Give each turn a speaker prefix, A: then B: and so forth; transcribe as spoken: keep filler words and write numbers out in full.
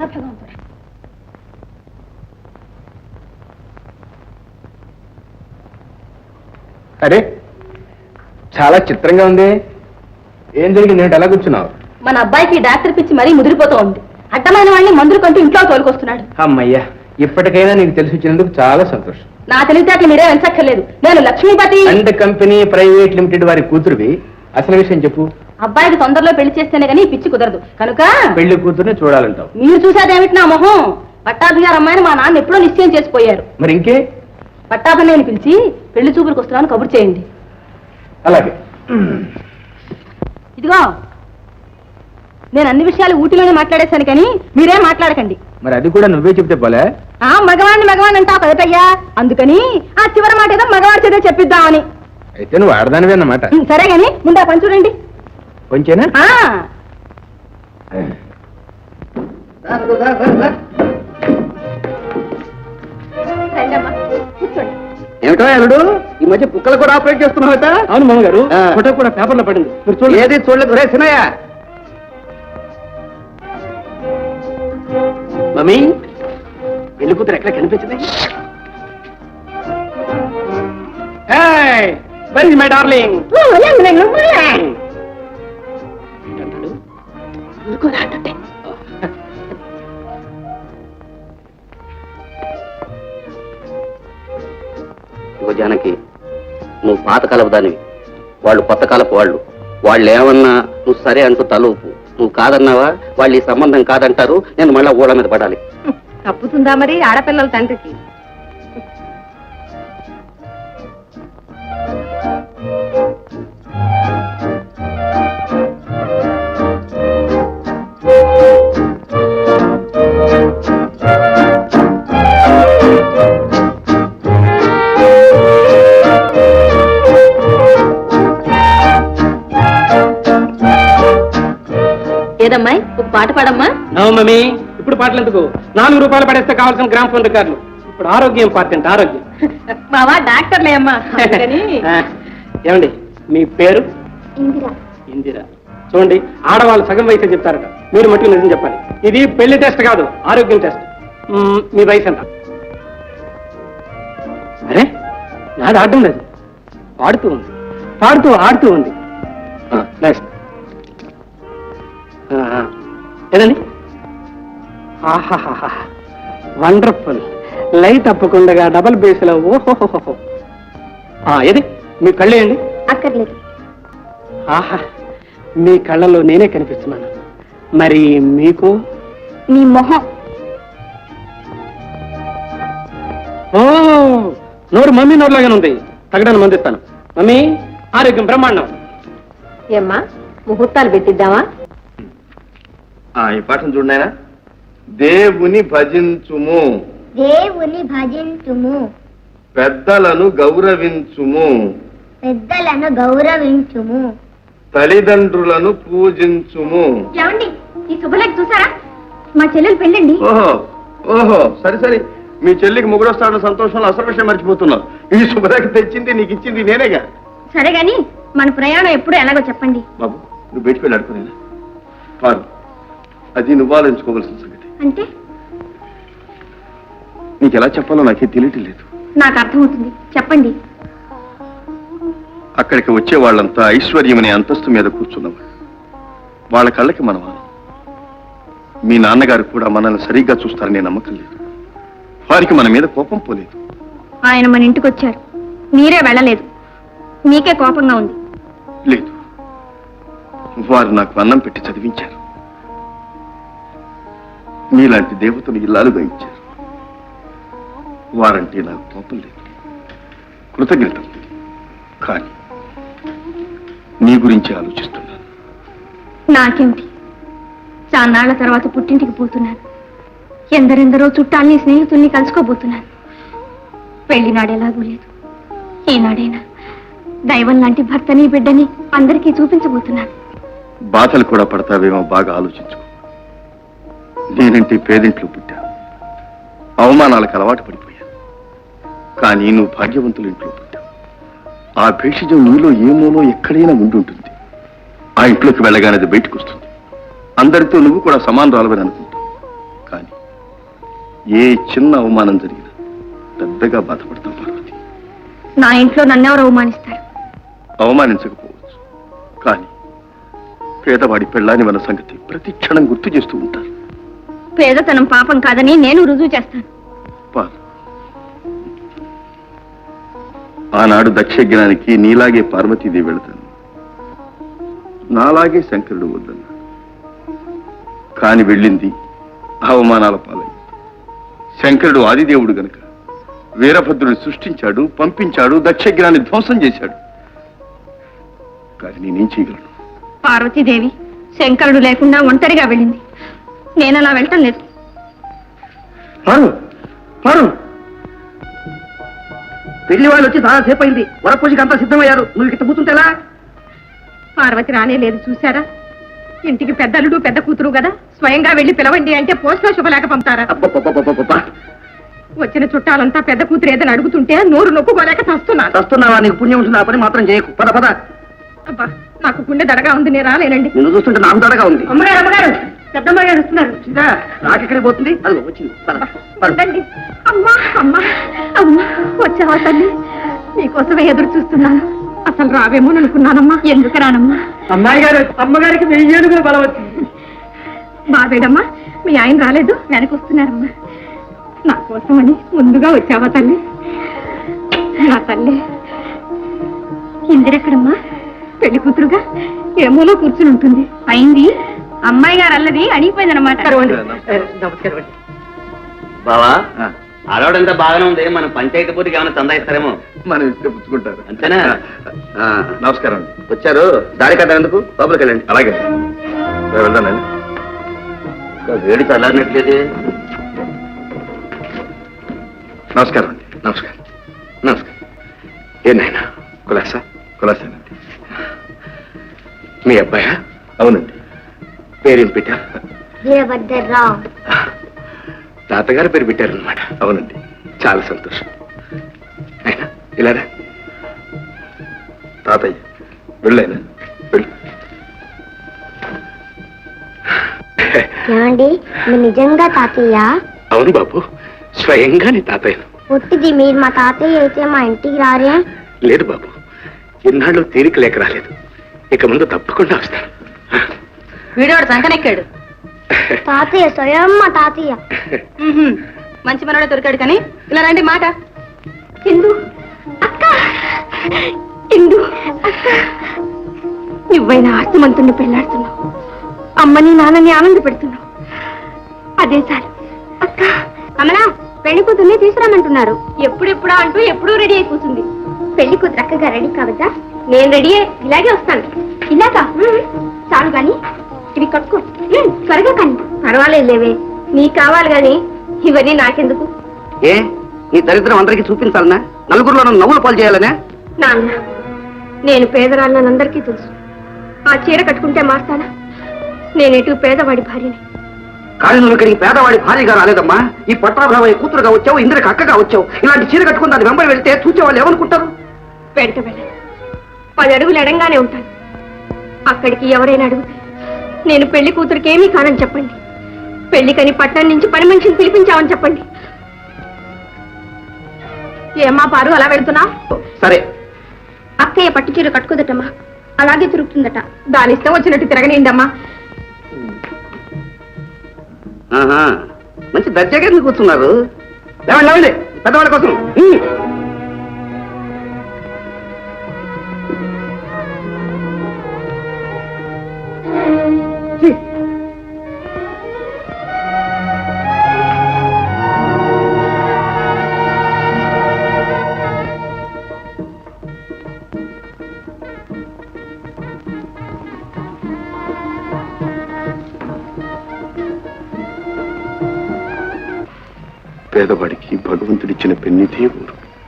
A: భగవంతుడా.
B: అరే చాలా చిత్రంగా ఉంది. ఏం జరిగింది? ఏంటి ఎలా కూర్చున్నావు?
A: మన అబ్బాయికి డాక్టర్ పిచ్చి మరీ ముదిరిపోతూ ఉంది. అడ్డమైన వాడిని మందులు కంటూ ఇంట్లో తోలుకొస్తున్నాడు.
B: అమ్మయ్యా, ఇప్పటికైనా నీకు తెలిసి వచ్చినందుకు చాలా సంతోషం.
A: నా తెలివితేటలు మీరే వెంచక్కర్లేదు. నేను Lakshmipati
B: and company private limited వారి కూతురువి. అసలు విషయం చెప్పు.
A: అబ్బాయికి తొందరలో పెళ్లి చేస్తేనే కానీ పిచ్చి కుదరదు కనుక
B: పెళ్లి కూతురుని చూడాలంటావు.
A: మీరు చూసేదేమిటి నా మొహం? పట్టాభి గారు అమ్మాయిని మా నాన్న ఎప్పుడో నిశ్చయం చేసిపోయారు.
B: మరి ఇంకే?
A: పట్టాభిని పిలిచి పెళ్లి చూపులకు వస్తున్నాను కబురు చేయండి.
B: అలాగే.
A: ఇదిగో నేను అన్ని విషయాలు ఊటీలోనే మాట్లాడేశాను కానీ మీరేం మాట్లాడకండి.
B: మరి అది కూడా నువ్వే చెప్తే పోలే.
A: ఆ మగవాడిని మగవాడిని అంటావు కదటయ్యా, అందుకని ఆ చివరి మాట ఏదో మగవాడి చేత చెప్పిద్దామని.
B: అయితే నువ్వు ఆడదానివే అన్నమాట.
A: సరే గాని ముందు ఆ పని చూడండి.
B: కొంచెనా?
C: ఏమిటో అల్లుడు, ఈ మధ్య కుక్కలు కూడా ఆపరేట్ చేస్తున్నావట?
B: అవును మామగారు, ఫోటో కూడా పేపర్లో పడింది. మీరు చూడండి.
C: ఏది చూడలేదు రే సినయ్య. మమ్మీ, పెళ్లి కూతురు ఎక్కడ కనిపించింది? My darling. జానకి, నువ్వు పాతకాలపు దానివి, వాళ్ళు కొత్త కాలపు వాళ్ళు. వాళ్ళు ఏమన్నా నువ్వు సరే అంటూ తలూపు. నువ్వు కాదన్నావా వాళ్ళు ఈ సంబంధం కాదంటారు. నేను మళ్ళా ఊళ్ళ మీద పడాలి.
A: తప్పుతుందా మరి ఆడపిల్లల తండ్రికి? ఏదమ్మాయి ఒక పాట పాడమ్మా.
C: మమ్మీ, ఇప్పుడు పాటలు ఎందుకు? నాలుగు రూపాయలు పడేస్తే కావాల్సిన గ్రామ్ ఫోన్ రికార్డులు. ఇప్పుడు ఆరోగ్యం ఇంపార్టెంట్. ఆరోగ్యం.
A: మావా డాక్టర్లే అమ్మా.
C: ఏమండి మీ పేరు?
A: ఇందిరా.
C: ఇందిరా. చూడండి, ఆడవాళ్ళు సగం వయసు చెప్తారట, మీరు మట్టుకు నిజం చెప్పాలి. ఇది పెళ్లి టెస్ట్ కాదు, ఆరోగ్యం టెస్ట్. మీ వయసు ఎంత? అరే నాది ఆడడం లేదు, పాడుతూ ఉంది, పాడుతూ ఆడుతూ ఉంది. నెక్స్ట్ ఏదండి? ఆహాహా, వండర్ఫుల్. లైట్ తప్పకుండా డబల్ బేస్లో. ఓహోహోహో. ఏది మీ కళ్ళు వేయండి.
A: అక్కర్లేదు.
C: ఆహా, మీ కళ్ళలో నేనే కనిపిస్తున్నాను. మరి మీకు?
A: నీ మొహం.
C: ఓ, నోరు మమ్మీ నోరులాగానే ఉంది. తగ్గడానికి మందిస్తాను. మమ్మీ, ఆరోగ్యం బ్రహ్మాండం.
A: ఏమ్మా ముహూర్తాలు పెట్టిద్దామా?
B: ఈ పాఠం చూడనాయనా. దేవుని భజించుము,
D: దేవుని భజించుము,
B: పెద్దలను గౌరవించుము,
D: పెద్దలను గౌరవించుము,
B: తల్లిదండ్రులను పూజించుము.
D: ఏమండి ఈ శుభలేఖ చూసారా? మా చెల్లెలు పెళ్ళండి.
B: ఓహో ఓహో సరే సరే, మీ చెల్లికి ముగ్గురొస్తాడన్న సంతోషంలో అసలు విషయం మర్చిపోతున్నావు. ఈ శుభలేఖ తెచ్చింది నీకు ఇచ్చింది నేనేగా.
D: సరే గాని మన ప్రయాణం ఎప్పుడు ఎలాగో చెప్పండి.
B: బాబు, నువ్వు బయటికి వెళ్ళి అడుకునేనా? పారు, అది నువ్వు ఆలోచించుకోవాల్సిన సంగతి.
D: అంటే
B: నీకు ఎలా చెప్పాలో నాకే తెలియటం లేదు.
D: నాకు అర్థమవుతుంది, చెప్పండి.
B: అక్కడికి వచ్చే వాళ్ళంతా ఐశ్వర్యం అనే అంతస్తు మీద కూర్చున్నవాళ్ళు. వాళ్ళ కళ్ళకి మనం మీ నాన్నగారు కూడా మనల్ని సరిగ్గా చూస్తారనే నమ్మకం లేదు. వారికి మన మీద కోపం పోలేదు.
D: ఆయన మన ఇంటికి వచ్చారు, మీరే వెళ్ళలేదు. మీకే కోపంగా ఉంది.
B: లేదు, వారు నాకు అన్నం పెట్టి చదివించారు. మీలాంటి దేవతను ఇల్లాలుగా ఇచ్చారు. వారంటే నాకు కోపం లేదు, కృతజ్ఞత. కానీ నీ గురించి ఆలోచిస్తున్నాను.
D: నాకేమిటి, చాన్నాళ్ల తర్వాత పుట్టింటికి పోతున్నాను. ఎందరెందరో చుట్టాల్ని స్నేహితుల్ని కలుసుకోబోతున్నాను. పెళ్లినాడు ఎలాగూ లేదు. ఈనాడైనా దైవం లాంటి భర్తని బిడ్డని అందరికీ చూపించబోతున్నాను.
B: బాధలు కూడా పడతావేమో, బాగా ఆలోచించుకో. నేనంటే పేదింట్లో పుట్టా, అవమానాలకు అలవాటు పడిపోయా. కానీ నువ్వు భాగ్యవంతుల ఇంట్లో పుట్టావు. ఆ భేషజం నీలో ఏమోలో ఎక్కడైనా ఉండుంటుంది. ఆ ఇంట్లోకి వెళ్ళగానే అది బయటకు వస్తుంది. అందరితో నువ్వు కూడా సమానరాలవని అనుకుంటావు. కానీ ఏ చిన్న అవమానం జరిగినా పెద్దగా బాధపడతాం పార్వతి.
D: నా ఇంట్లో నన్నెవరు అవమానిస్తారు?
B: అవమానించకపోవచ్చు, కానీ పేదవాడి పెళ్ళాని మన సంగతి ప్రతి క్షణం గుర్తు చేస్తూ ఉంటారు.
D: పేదతనం పాపం కాదని నేను రుజువు చేస్తాను.
B: పార్. ఆనాడు దక్షజ్ఞానికి నీలాగే పార్వతీదేవి వెళతాను, నాలాగే శంకరుడు వద్దన్నాడు. కాని వెళ్ళింది అవమానాల పాలైంది. శంకరుడు ఆదిదేవుడు గనుక వీరభద్రుని సృష్టించాడు, పంపించాడు, దక్షజ్ఞాన్ని ధ్వంసం చేశాడు. కానీ నేనేం చేయగలను?
D: పార్వతీదేవి శంకరుడు లేకుండా ఒంటరిగా వెళ్ళింది. నేను అలా వెళ్ళటం లేదు.
C: పారు పారు పెళ్లి వాళ్ళు వచ్చి చాలా సేపు అయింది. వరపూజకి అంతా సిద్ధమయ్యారు. నువ్వు ఇక్కడ కూర్చుంటేలా?
A: పార్వతి రానే లేదు చూసారా? ఇంటికి పెద్దలుడు పెద్ద కూతురు కదా, స్వయంగా వెళ్ళి పిలవండి అంటే పోస్ట్లో శుభలేక పంపుతారా?
C: అబ్బబ్బబ్బబ్బబ్బబ్బా.
A: వచ్చిన చుట్టాలంతా పెద్ద కూతురు ఏదని అడుగుతుంటే నోరు నొప్పుకోలేక చస్తున్నాను.
C: వస్తున్నావా? నీకు పుణ్యం ఉంటుంది. ఆ పని మాత్రం చేయకు. పద పద.
A: అబ్బా, నాకు గుండె దడగా ఉంది, నేను రాలేనండి.
C: నిన్ను చూస్తుంటే నాకు దడగా ఉంది.
A: అమ్మగారు అమ్మగారు పెద్దమ్మ గారు వస్తున్నారు.
C: వచ్చిందా? నాకెక్కడికి పోతుంది? అది వచ్చింది. పద, పద.
A: ఉండండి. అమ్మా అమ్మా అమ్మా, వచ్చావా తల్లి? నీకోసమే ఎదురు చూస్తున్నాను. అసలు రావేమో అనుకున్నానమ్మా.
D: ఎందుకు రానమ్మా?
C: అమ్మాయి గారు అమ్మగారికి వెయ్యి ఏనుగులు బలం వచ్చింది.
A: బాబేడమ్మా, మీ ఆయన రాలేదు?
D: వెనకొస్తున్నారమ్మా.
A: నా కోసమని ముందుగా వచ్చావా తల్లి? నా తల్లి
D: ఇందిరెక్కడమ్మా?
A: పెళ్లి కూతురుగా ఏమోలో కూర్చుని ఉంటుంది.
D: అయింది. అమ్మాయి గారు అల్లది అడిగిపోయిందనమాట.
C: నమస్కారం అండి.
E: బావా, ఆడవాడంతా బాగానే ఉంది. మన పంచాయతీ పూర్తికి ఏమైనా చందా ఇస్తారేమో.
B: మనం ఇస్తే పుచ్చుకుంటారు.
E: అంతేనా?
C: ఆ,
B: నమస్కారం అండి.
C: వచ్చారు. దారి కదా ఎందుకు? లోపలికి వెళ్ళండి.
B: అలాగే వెళ్దానండి.
E: ఇంకా వేడి చల్లారినట్లేదు.
B: నమస్కారం అండి.
C: నమస్కారం నమస్కారం. ఏనాయనా కులాసా?
B: కులాసేనండి.
C: మీ అబ్బాయా?
B: అవునండి.
C: పేరేం పెట్టారు?
F: వీరభద్రరావు.
C: తాతగారు పేరు పెట్టారనమాట.
B: అవునండి.
C: చాలా సంతోషం. అయినా ఇలారా.
B: తాతయ్య వెళ్ళైనా వెళ్ళు.
F: ఏమండి, మీరు నిజంగా తాతయ్య?
C: అవును బాబు, స్వయంగా నీ తాతయ్యను.
F: పుట్టిది మీరు మా తాతయ్య అయితే మా ఇంటికి రారే?
C: లేదు బాబు, ఇన్నాళ్ళు తీరిక లేక రాలేదు. ఇక ముందు తప్పకుండా వస్తాను.
A: వీడోడు సంకనెక్కాడు.
F: తాతయ్య స్వయం మా తాతయ్య.
A: మంచి మనోడే దొరికాడు. కానీ ఇలా రండి మాట.
D: ఇందు అక్క, ఇందు అక్క, నువ్వైనా ఆస్తిమంతుణ్ణి పెళ్లాడుతున్నావు. అమ్మని నాన్నని ఆనంద పెడుతున్నావు. అదే చాలు అక్క.
F: కమలా, పెళ్లి కూతుర్ని తీసుకురామంటున్నారు.
D: ఎప్పుడెప్పుడా అంటూ ఎప్పుడూ రెడీ అయి కూర్చుంది.
F: పెళ్లి కూతురు అక్కగా రెడీ కావద్దా?
D: నేను రెడీయే, ఇలాగే వస్తాను.
F: ఇలాగా? చాలు గాని ఇవి కట్టుకో. త్వరగా కానీ.
D: పర్వాలేదు లేవే, నీకు కావాలి గాని ఇవన్నీ నాకెందుకు?
C: ఏ నీ దరిద్రం అందరికీ చూపించాలనా? నలుగురిలో నన్ను నవ్వులు పాలు చేయాలనే?
D: నాన్న, నేను పేదరాళ్ళని అందరికీ తెలుసు. ఆ చీర కట్టుకుంటే మారుతానా? నేనేటు పేదవాడి భార్యని.
C: కానీ నువ్వు ఇక్కడికి పేదవాడి భార్యగా రాలేదమ్మా. ఈ పట్టాభావయ్య కూతురుగా వచ్చావు, ఇంద్రకి అక్కగా వచ్చావు. ఇలాంటి చీర కట్టుకుని దాని వెంబడి వెళ్తే చూసేవాళ్ళు ఏమనుకుంటారు?
D: వెంట వెళ్ళను. పది అడుగులు ఎడంగానే ఉంటాను. అక్కడికి ఎవరైనా అడిగితే నేను పెళ్లి కూతురికి ఏమీ కానని చెప్పండి. పెళ్లికని పట్టణం నుంచి పని మనిషిని పిలిపించామని చెప్పండి.
A: ఏమ్మా పారు అలా వెళ్తున్నా?
C: సరే.
D: అక్కయ్య పట్టు చీర కట్టుకోదటమ్మా, అలాగే తిరుగుతుందట.
A: దాని ఇష్టం వచ్చినట్టు తిరగనిండమ్మా.
C: ఆహా, మంచి దర్జాగా ఎందుకు కూర్చున్నారు? లేవండి లేవండి, పెద్దవాళ్ళ కోసం. ఉమ్.
B: పేదవాడికి భగవంతుడిచ్చిన పెన్నిదే ఊరు.